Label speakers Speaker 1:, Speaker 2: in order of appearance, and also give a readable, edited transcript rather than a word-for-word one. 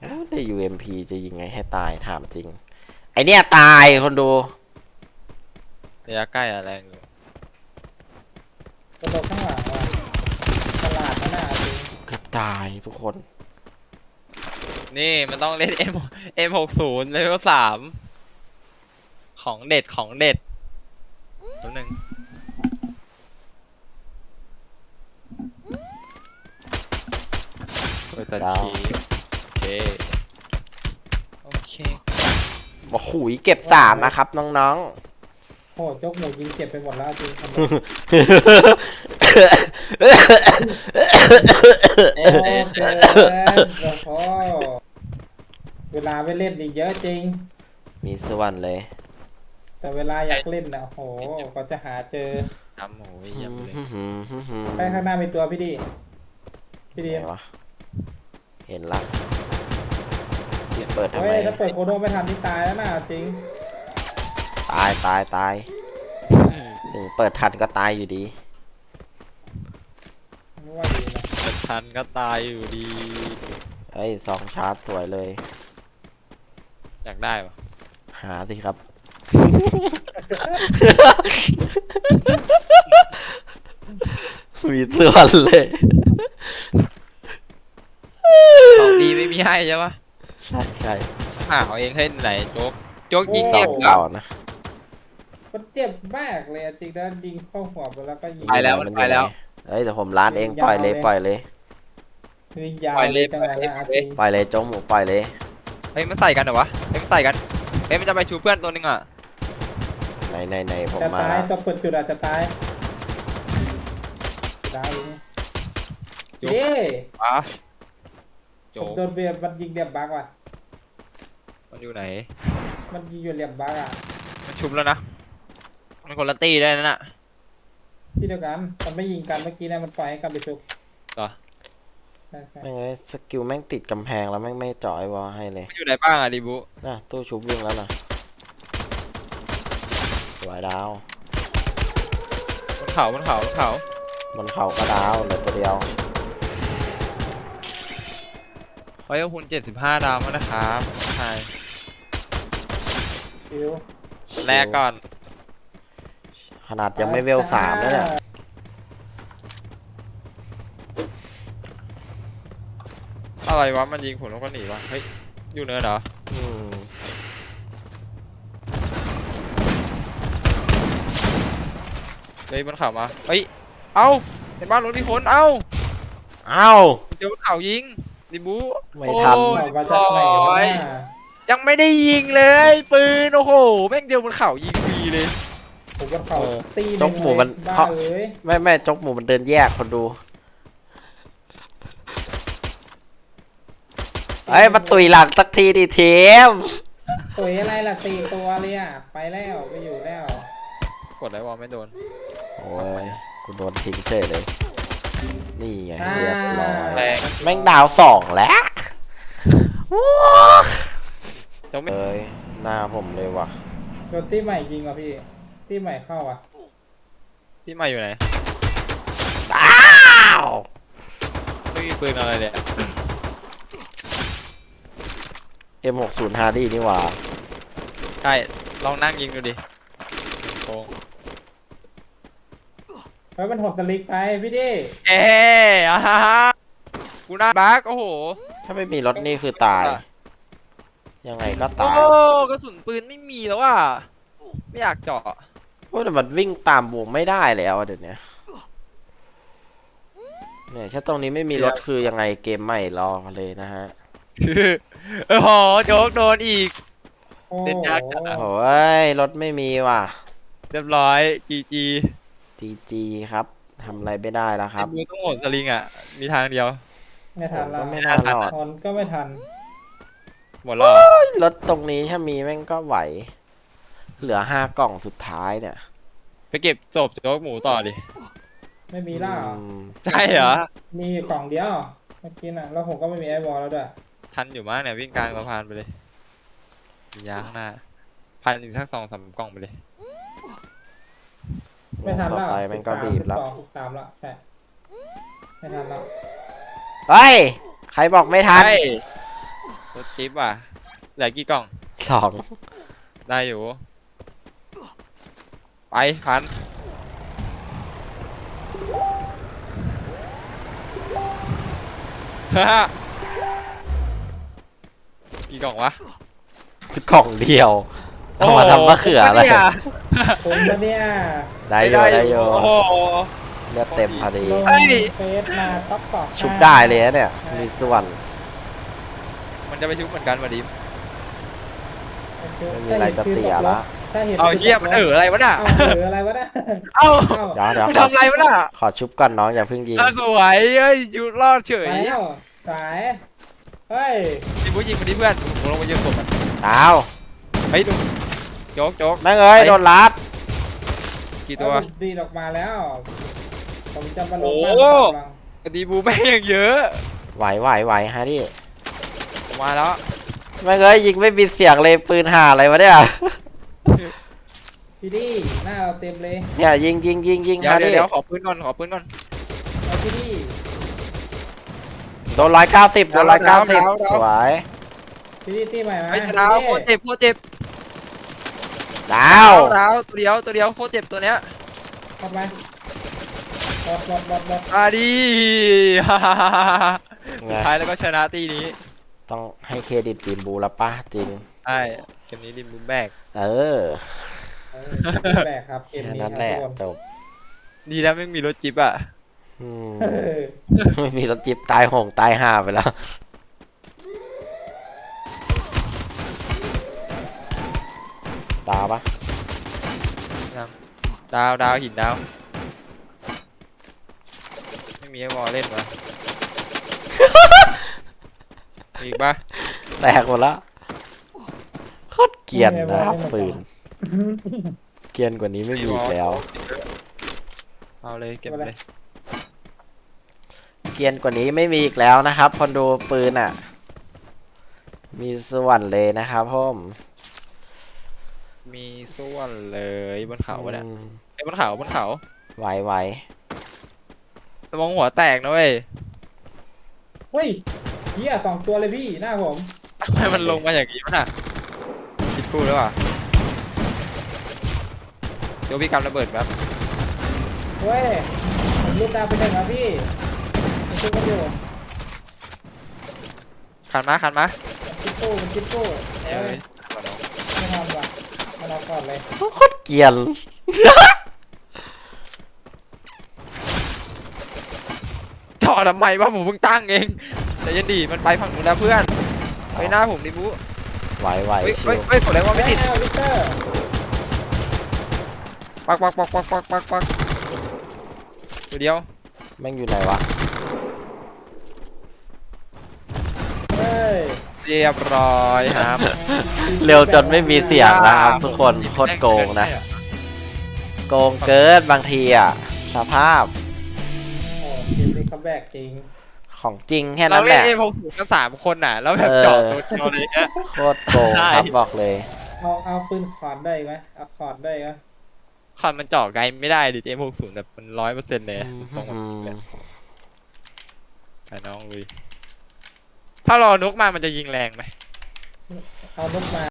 Speaker 1: ได้ UMP จะยิงไงให้ตายถามจริงไอเนี้ยตายคนดู
Speaker 2: ระยะใกล้อะแรงอยู่
Speaker 3: ตัวข้างหลังว่ะตลาดนั่นน่ะจริง
Speaker 1: เกือบตายทุกคน
Speaker 2: นี่มันต้องเล่น M60 เลเวล3ของเด็ดของเด็ดตัวหนึ่งเปิดตัดคีย์โอเค
Speaker 1: โอ้โหเก็บ3นะครับน้อง
Speaker 3: โอ้จกหมูยิงเจ็บไปหมดแล้วจริงทำไมโอ้เกินโอ้เวลาไปเล่นอีกเยอะจริง
Speaker 1: ๆมีส่วนเลย
Speaker 3: แต่เวลาอยากเล่นนะโหก็จะหาเจอ
Speaker 2: ทำหมูเยี่ยมเลย
Speaker 3: ไปข้างหน้ามีตัวพี่ดี
Speaker 1: ไหนวะเห็นละเปิดทำไม
Speaker 3: เฮ้ยถ้าเปิดโคโดไม่ทันนี่ตายแล้วนะจริง
Speaker 1: ตายถึงเปิดทันก็ตายอยู่ดี
Speaker 3: ไม่ว่าดีนะ
Speaker 2: เปิดทันก็ตายอยู่ดี
Speaker 1: เฮ้ย2 ชาร์จสวยเลย
Speaker 2: อยากได้ปะ
Speaker 1: หาสิครับมีส่วนเลย
Speaker 2: ของดีไม่มีให้ใช่ปะ
Speaker 1: ใช่
Speaker 2: หาเอาเองให้ไหนโจ๊กยิง
Speaker 1: เจ็บเก่านะ
Speaker 3: มันเจ็บมากเลยจริงนะยิงเข้าหัวไปแล้วก็ยิง
Speaker 2: ไปแล้วมันไปแล้ว
Speaker 1: เฮ้ยแต่ผมล้านเองปล่อยเลย
Speaker 3: ยิงยาวเลยจังเลยนะจริง
Speaker 1: ปล่อยเลยโจ๊กหมูปล่อยเลย
Speaker 2: เฮ้ยมันใส่กันเหรอวะเฮ้ยมันใส่กันเฮ้ยมันจะไปชูเพื่อนตัวนึงอ่ะ
Speaker 1: ไหนผม
Speaker 3: จะ
Speaker 1: มา
Speaker 3: ตายตัวเปิดจุดอาจจะตายได้เย้
Speaker 2: โจ๊ก
Speaker 3: โดนเบียร์มันยิงเดียบบักว่ะ
Speaker 2: มันอยู่ไหน
Speaker 3: มันยิงอยู่เดียบบักอ่ะ
Speaker 2: มันชุบแล้วนะมันคนละตีได้นั่นน่ะ
Speaker 3: ที่เดียวกันมันไม่ยิงกันเมื่อกี้นะมันปล่อยให้กันไปชุบ
Speaker 2: เหรอ
Speaker 1: แม่งเลยสกิลแม่งติดกำแพงแล้วแม่งไม่เจาะไอ้วอลให้เลย
Speaker 2: มันอยู่ไหนบ้างอะดิบุ
Speaker 1: น่ะตู้ชุบวิ่งแล้วนะสวยดาว
Speaker 2: บนเขา
Speaker 1: บนเขาก็ดาวเหลือตัวเดียว
Speaker 2: ขอให้คุณ75 ดาวมานะครับใช่แรกก่อน
Speaker 1: ขนาดยังไม่เวล3แล้วเนี่ย
Speaker 2: อะไรวะมันยิงผมแล้วก็หนีวะเฮ้ยอยู่เนินเหรอเฮ้ยบนเขามาเฮ้ยเอ้าเห็นบ้านรถมีคนเอ้าเดี๋ยวบนเขายิงดิบู
Speaker 1: ไม่ทัน
Speaker 2: ยังไม่ได้ยิงเลยปืนโอ้โหแม่งเดียวบนเขายิงฟรีเลย
Speaker 3: ผมบนเขาตี
Speaker 1: จกหมูมันไม่จกหมูมันเดินแยกคนดูไอ้มาตุยหลังสักทีดิเทม
Speaker 3: ตุยอะไรล่ะ4 ตัวเลยอ่ะไปแล้วไปอยู่แล้ว
Speaker 2: กดไลวอลไม่โดน
Speaker 1: โอ้ยกูโดนทิ้งเฉยเลยนี่ไงเรียบร้อยแม่งดาว2แล้วเอ้ยหน้าผมเลยว่ะ
Speaker 3: โดนตีใหม่ยิงอ่ะพี่ตีใหม่เข้าอ่ะ
Speaker 2: ที่มาอยู่ไหนไม่มีปืนอะไรเนี่ย
Speaker 1: M60 Hardy นี่หว่า
Speaker 2: ใช่ลองนั่งยิงดูดิโค้ง
Speaker 3: เฮ้ยมันหดสลิกไปพี่ดิ
Speaker 2: กูน่าบักโอ้โห
Speaker 1: ถ้าไม่มีรถนี่คือตายยังไงก็ตาย
Speaker 2: โอ้กระสุนปืนไม่มีแล้วว่ะไม่อยากเจาะ
Speaker 1: โอ้แต่มันวิ่งตามวงไม่ได้แล้วเดี๋ยวนี้เนี่ยถ้าตรงนี้ไม่มีรถคือยังไงเกมใหม่รอเลยนะฮะ
Speaker 2: โอ้โหโจ๊กโดนอีก
Speaker 3: เด็ดยาก
Speaker 1: โอ้ยรถไม่มีว่ะ
Speaker 2: เรียบร้อย
Speaker 1: GG ครับทำอะไรไม่ได้แล้วครับ
Speaker 2: มือต้องโหดสลิงอ่ะมีทางเดียว
Speaker 3: ไม่ทันแล้ว
Speaker 1: ไม่น่ารอด
Speaker 3: ก็ไม่ทัน
Speaker 2: หมดแล้ว
Speaker 1: รถตรงนี้ถ้ามีแม่งก็ไหวเหลือ5 กล่องสุดท้ายเนี่ย
Speaker 2: ไปเก็บศพโจ๊กหมูต่อดิ
Speaker 3: ไม่มีล่า
Speaker 2: ใช่เหรอ
Speaker 3: มีกล่องเดียวเมื่อกี้น่ะแล้วผมก็ไม่มีไอวอลแล้วด้วย
Speaker 2: ทันอยู่มากเนี่ยวิ่งกลางสะพานไปเลยยาข้างหน้าพันอีกสัก2-3 กล่องไปเลย
Speaker 3: ไม่ทันแล้ว
Speaker 1: ไปมันก็บีบแล้ว
Speaker 3: 13แล้วใช่ไม่ทันแล้ว
Speaker 1: เฮ้ยใครบอกไม่ทัน
Speaker 2: รถจิ๊บอ่ะเหลือกี่กล่อง
Speaker 1: สอง
Speaker 2: ได้อยู่ ไปพันฮ่ากี่กล่องวะ
Speaker 1: กล่องเดียวเอามาทำมะเขืออะไร
Speaker 3: ผมปะเนี่ย
Speaker 1: ได้อยู่ได้อยู่
Speaker 2: โอ้โห
Speaker 1: เลือดเต็มพอดี
Speaker 3: ลง
Speaker 2: เฮ้ย
Speaker 3: เฟซมาต๊อกตอก
Speaker 1: ชุบได้เลยนะเนี่ย มีส่วน
Speaker 2: มันจะไปชุบเหมือนกันมาดิ
Speaker 1: ไม่มีอะไรจะเสียละ
Speaker 3: ถ้าเห็น
Speaker 2: เอาเฮียมันอะไรวะน่ะ
Speaker 3: เอาอะไรวะเนี่ย
Speaker 2: เอ้า
Speaker 3: เอา
Speaker 1: เดี๋ยว
Speaker 2: มันทำอะไรวะน่ะ
Speaker 1: ขอชุบก่อนน้องอย่าเพิ่งยิง
Speaker 2: สวยเฮ้ยยูรอดเฉ
Speaker 3: ไป
Speaker 2: ย
Speaker 3: แล้วสายเฮ้ย
Speaker 2: ดิบูยิงมาดิเพื่อนผมลงมายืนศพมัน
Speaker 1: อ้าว
Speaker 2: เฮ้ยดูโจ๊กโจ๊ก
Speaker 1: แม่งเอ้ย
Speaker 2: ไป
Speaker 1: โดนลัด
Speaker 2: กี่ตัว
Speaker 3: เอาดีดออกมาแล้ว ผมจะมาลง
Speaker 2: โอ้
Speaker 3: บ้านกำลัง
Speaker 2: ดีบูแม่งอย่างเยอะ
Speaker 1: ไหวฮะดิ
Speaker 2: ผมมาแล้ว
Speaker 1: แม่งเอ้ยยิงไม่มีเสียงเลยปืนห่าอะไรวะเนี่ย
Speaker 3: พี่ดีหน้าเราเต็มเลย
Speaker 1: เนี่ยยิง
Speaker 2: เดี๋ยว
Speaker 1: ฮะดิ
Speaker 2: เดี๋ยวขอปืนก่อนขอปืนก่อน
Speaker 3: เอาพี่ดี
Speaker 1: โดน190โดน190สวย
Speaker 3: พี่ดีตีใหม่มา
Speaker 2: ไอ้ดาวโคตรเจ็บโคตรเจ็บ
Speaker 1: ดาว
Speaker 2: ดาวตัวเดียวโคตรเจ็บตัวเนี้ย
Speaker 3: เข้าไปบอด
Speaker 2: มาดี
Speaker 1: ไง
Speaker 2: สุดท้ายแล้วก็ชนะตีนี้
Speaker 1: ต้องให้เครดิตทีมบูแล้วปะจริง
Speaker 2: ใช่เกมนี้ดิมบูมแบก
Speaker 1: เออ
Speaker 3: เออแบกครับเกม
Speaker 1: แค่
Speaker 3: นี้
Speaker 1: นั้น
Speaker 3: ค
Speaker 1: แห
Speaker 3: รับ
Speaker 1: ละ
Speaker 3: ทุกคน
Speaker 1: จบ
Speaker 2: ดีแล้วไม่มีรถจิ๊บอ่ะ
Speaker 1: อืม
Speaker 3: เออ
Speaker 1: ไม่มีรถจิ๊บตายโหงตายห่าไปแล้ว ดาวปะ
Speaker 2: ดาวหินดาวไม่มีไอ้วอลเล่นวะ มีอีกปะ
Speaker 1: แตกหมดแล้วโคตรเกรียนนะครับปืนเกรียนกว่านี้ไม่มีอีกแล้ว
Speaker 2: เอาเลยเก็บเลย
Speaker 1: เกรียนกว่านี้ไม่มีอีกแล้วนะครับคนดูปืนอ่ะ มีส่วนเลยนะครับพ่อม
Speaker 2: มีส่วนเลยบนเขาวะเนี่ย
Speaker 1: อืม
Speaker 2: ไอ้บนเขาบนเขา
Speaker 1: ไหว
Speaker 2: ระวังหัวแตกนะเว้ย
Speaker 3: เฮ้ยเฮียสองตัวเลยพี่หน้าผม
Speaker 2: ทำไมมันลงมาอย่างนี้วะน่ะคิดกูแล้วอ่ะเดี๋ยวพี่กำระเบิดแบบ
Speaker 3: เฮ้ยผมรูดดาวไปหนึ่งครับพี่ผมช่วยกันอยู่
Speaker 2: ขันมา
Speaker 3: มันจิ๊บกู้
Speaker 2: เอ้ย
Speaker 3: ไม่ทำว่ะมันเอาก่อนเลย
Speaker 1: ๆโคตรเกรียน
Speaker 2: จอดทำไมวะผมเพิ่งตั้งเองแต่ยันดีมันไปฝั่งนู้นแล้วเพื่อนไปหน้าผมดิบู
Speaker 1: ไหว
Speaker 2: เฮ้ย
Speaker 1: ชิ
Speaker 2: เฮ้ยว เฮ้ยกดอะไรวะไม่ติด
Speaker 3: วิกเตอร์
Speaker 2: ปักตัวเดียว
Speaker 1: แม่งอยู่ไหนวะ
Speaker 3: เฮ้ย
Speaker 2: เรียบร้อยครับ
Speaker 1: เร็วจนไม่มีเสียงนะครับทุกคนโคตรโกงนะ โกงเกินบางทีอ่ะ สภาพ
Speaker 3: โอ้เกมนี้คัมแบ็กจริง
Speaker 1: ของจริงแค่
Speaker 2: เรา
Speaker 1: นั้นแห
Speaker 2: เล่น
Speaker 1: ละ
Speaker 2: เอพกสูกัน3 คนน่ะ แล้วแบบจอดตัวเดียวเลยเนี่ย
Speaker 1: โคตรโกงครับบอกเลย
Speaker 3: เอาปืนคอร์ดได้ไหมเอาคอร์ดได้ไหม
Speaker 2: คอนมันเจาะไกลไม่ได้ดิเอพกสูแบบมัน100%เลยตรงกับเลยไปน้องลุยถ้ารอนกมามันจะยิงแรงไหม
Speaker 3: เอานกมา